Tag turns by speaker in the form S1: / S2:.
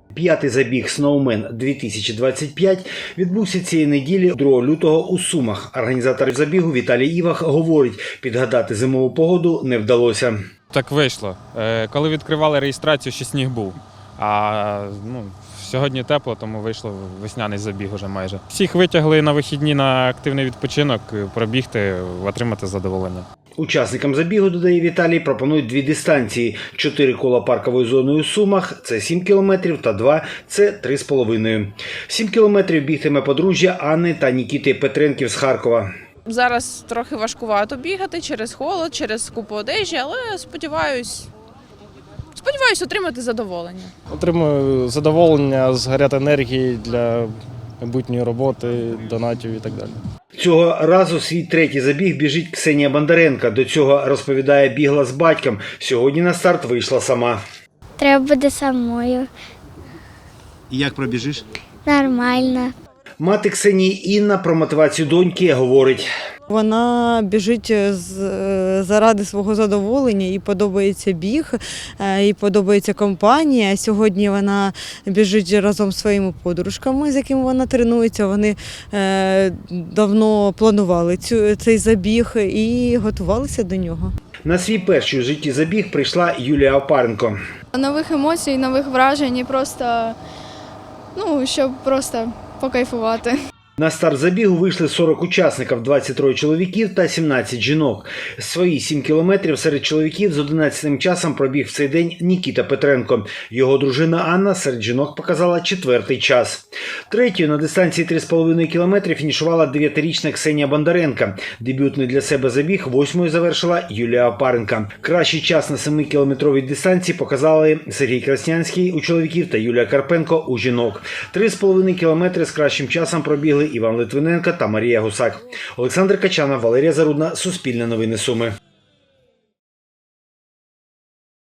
S1: П'ятий забіг «Сноумен 2025» відбувся цієї неділі 2 лютого у Сумах. Організатор забігу Віталій Івах говорить, підгадати зимову погоду не вдалося.
S2: Так вийшло. Коли відкривали реєстрацію, ще сніг був. А сьогодні тепло, тому вийшло весняний забіг уже майже. Всіх витягли на вихідні на активний відпочинок, пробігти, отримати задоволення.
S1: Учасникам забігу, додає Віталій, пропонують 2 дистанції. 4 кола парковою зоною у Сумах – це 7 кілометрів, та 2 – це 3,5. 7 кілометрів бігтиме подружжя Анни та Нікіти Петренків з Харкова.
S3: Зараз трохи важкувато бігати через холод, через купу одежі, але сподіваюсь отримати задоволення.
S4: Отримую задоволення, згорять енергії для майбутньої роботи, донатів і так далі.
S1: Цього разу свій третій забіг біжить Ксенія Бондаренко. До цього, розповідає, бігла з батьком. Сьогодні на старт вийшла сама.
S5: Треба буде самою.
S1: І як пробіжиш?
S5: Нормально.
S1: Мати Ксенії Інна про мотивацію доньки говорить.
S6: Вона біжить заради свого задоволення, їй подобається біг, їй подобається компанія. Сьогодні вона біжить разом з своїми подружками, з якими вона тренується. Вони давно планували цей забіг і готувалися до нього.
S1: На свій перший у житті забіг прийшла Юлія Опаренко.
S7: Нових емоцій, нових вражень і просто, щоб просто покайфувати.
S1: На старт забігу вийшли 40 учасників, 23 чоловіків та 17 жінок. Свої 7 кілометрів серед чоловіків з 11 часом пробіг в цей день Нікіта Петренко. Його дружина Анна серед жінок показала 4-й час. Третьою на дистанції 3,5 кілометри фінішувала 9-річна Ксенія Бондаренко. Дебютний для себе забіг 8-ю завершила Юлія Опаренко. Кращий час на 7-кілометровій дистанції показали Сергій Краснянський у чоловіків та Юлія Карпенко у жінок. 3,5 кілометри з кращим часом пробігли Іван Литвиненко та Марія Гусак. Олександр Качанов, Валерія Зарудна, Суспільне новини Суми.